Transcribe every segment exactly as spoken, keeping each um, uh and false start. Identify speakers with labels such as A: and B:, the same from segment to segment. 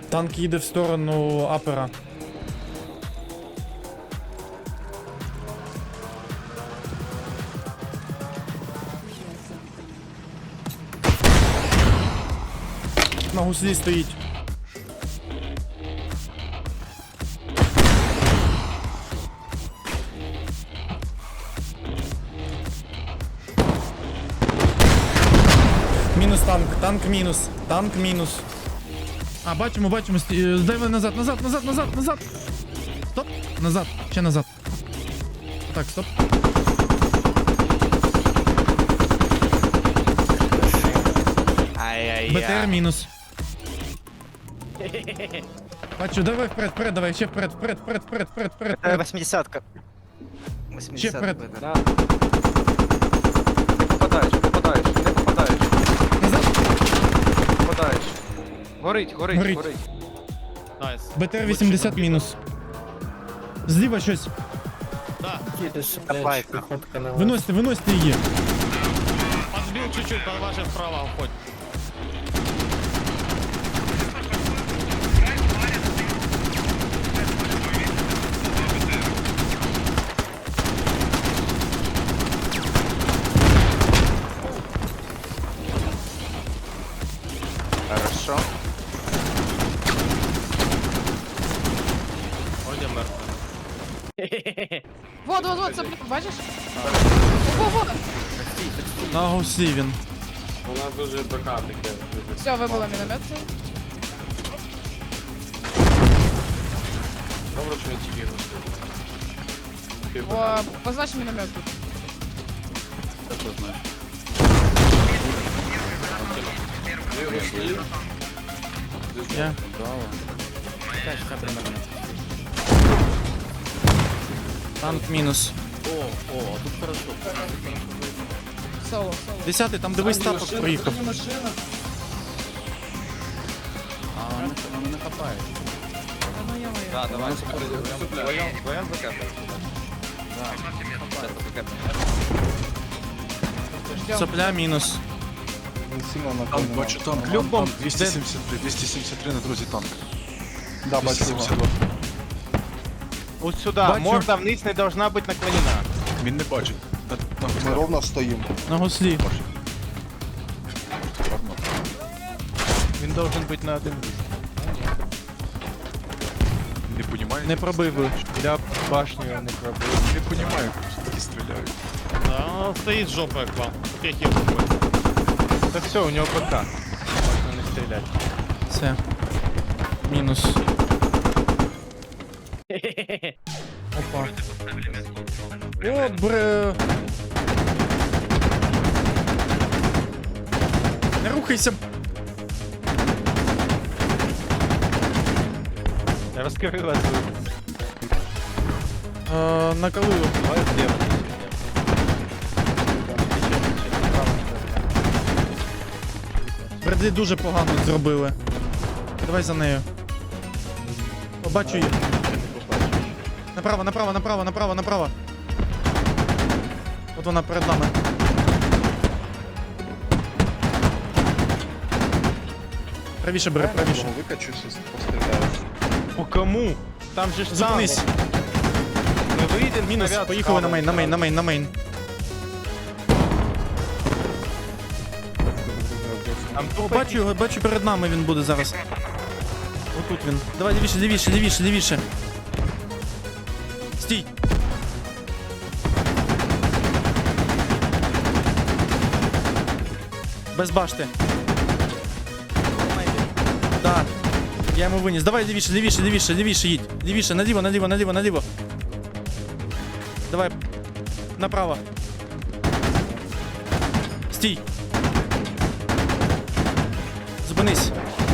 A: Танк їде в сторону апера. На гуслі стоїть. Мінус танк, танк мінус, танк мінус. А, бачимо, бачимо, сті- е, дай назад, назад, назад, назад, назад. Стоп, назад, ще назад. Так, стоп.
B: Ай-яй-яй.
A: БТР мінус. Бачу, давай вперед, вперед, давай, ще вперед, вперед, вперед, вперед, вперед, вперед,
B: Е,
A: вперед.
B: восьмидесятка.
A: Ще
B: восьмидесятка.
A: вперед.
B: Да. Не попадаєш, попадаєш, не попадаєш,
A: Назад.
B: попадаєш. Горить, горить,
A: Горить.
B: горить.
C: Найс.
A: БТР вісімдесят мінус. Зліва щось.
B: Копай.
A: Виносьте, виносьте її.
C: Подбил чуть-чуть, под ваше вправо уходь.
B: Хорошо.
C: Вроде мертвый.
D: Вот, вот, вот, соплю, бачиш? Во, во,
A: На гуслі він.
E: У нас дуже БК таке.
D: все, вибило міномет.
E: Добре, що не тільки густи.
D: О, познач міномет тут.
A: Я. Танк мінус.
D: Соло, соло.
A: Десятий, там дивись тапок проїхав.
D: Ну, я моя.
B: Да, давай. Вдвоем, вдвоем закапаем. Да. Сейчас закапаем.
D: Ждем.
A: Сопля мінус.
F: Танк, бачу танк,
A: Любом.
F: Любом. двісті сімдесят три, двісті сімдесят три на друзі танк.
G: Да,
F: двісті сімдесят два.
C: Вот сюда.
A: Бачу.
C: Морда вниз не должна быть наклонена.
F: Він не бачить. На, на
G: Ми
F: гуслях.
G: ровно стоїмо.
A: На гуслі.
F: Ладно.
C: Он должен быть на один лист.
F: Не понімаю.
A: Не пробив би.
C: Для башню не пробил.
F: Не понімаю, просто такі стріляють.
C: Да, он стоит с жопой к вам. Успехи жопой. Да все, у него ПК. Можно не стрелять.
A: Все. Мінус. Опа. О, бре. Не рухайся.
C: Раскрылась.
A: Е, накалило.
C: Давай слева.
A: Бредлі дуже погано зробили. Давай за нею. Побачу її. Направо, направо, направо, направо, направо. От вона перед нами. Правіше бери, правіше.
G: Викачу, щось постріляю.
C: По кому? Там же ж
A: Зупинись.
C: танк. Мы выйдем,
A: Мінус,
C: снаряд
A: поїхали на
C: справа
A: мейн, на мейн, на мейн, на мейн.
C: Там
A: О,
C: тупо
A: бачу його, бачу перед нами він буде зараз. Отут він. Давай, лівіше, лівіше, лівіше, лівіше. Стій. Без башти. Да. Я йому виніс. Давай лівіше, лівіше, лівіше, лівіше їдь. Лівіше, наліво, наліво, наліво, наліво. Давай. Направо. Стій. Зупинись.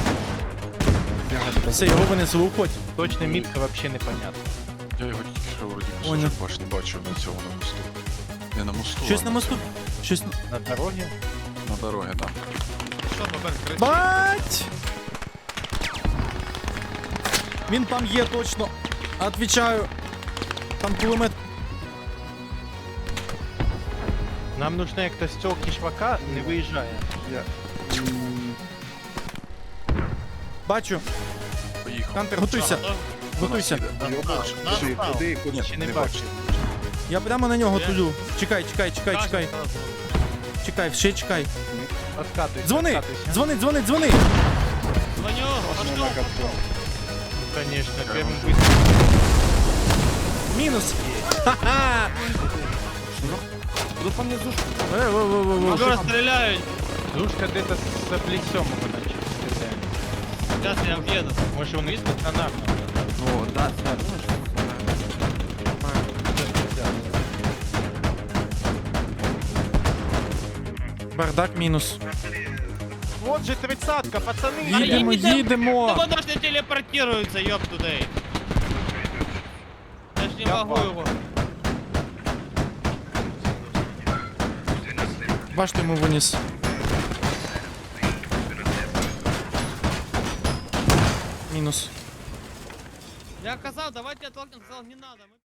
A: Все, його винесли, уходь.
C: точно мітка вообще непонятно.
F: Я його тільки що вроді
A: Понял.
F: кусочок башні бачив на цьому на мосту. Не на мосту,
A: Щось
F: а
A: на мосту. Щось на...
C: На дороге.
F: на дорогі, так.
A: Бать! Він там є точно. Отвічаю. Там кулемет.
C: Нам нужно як то з цього кішвака не виїжджає.
A: Бачу. Хантер, готуйся. Готуйся.
G: Чи куди, куди?
C: Ще не бачу.
A: Я прямо на нього тулю. Чекай, чекай, чекай, чекай. Чекай, ще чекай.
C: Откатуйся.
A: Дзвони!
C: откатуйся.
A: Дзвони, дзвони, дзвони!
D: Звоню, пошел.
C: Конечно, первым быстро.
A: Мінус! Ха-ха!
B: Куди по мне зушку?
A: Е, во, во, во, во.
D: Скоро стреляют.
C: Душка где-то с плесем его начали стрелять.
D: Сейчас я въеду.
C: Может он есть стационарно?
B: Ну, да, сэр.
A: Бардак мінус.
C: Вот же тридцатка, пацаны.
A: Їдемо, їдемо!
D: Ну потому что телепортируется, ёб тудей. Я ж не
C: Я
D: могу
C: пал.
D: его.
A: Бачите, йому виніс. Мінус.
D: Я сказал, давайте оттолкнем, сказал, не надо. Мы-